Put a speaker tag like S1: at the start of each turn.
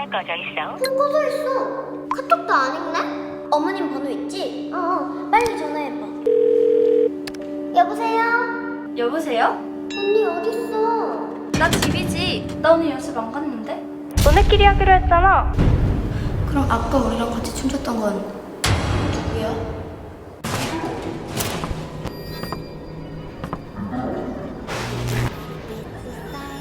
S1: 전화기가 꺼져 있어.
S2: 폰 꺼져 있어. 카톡도 안 읽네? 어머님 번호 있지? 빨리 전화해봐. 여보세요?
S3: 여보세요?
S2: 언니 어딨어?
S3: 나 집이지. 나 오늘 연습 안 갔는데?
S1: 너네끼리 하기로 했잖아.
S3: 그럼 아까 우리랑 같이 춤췄던 건 누구야?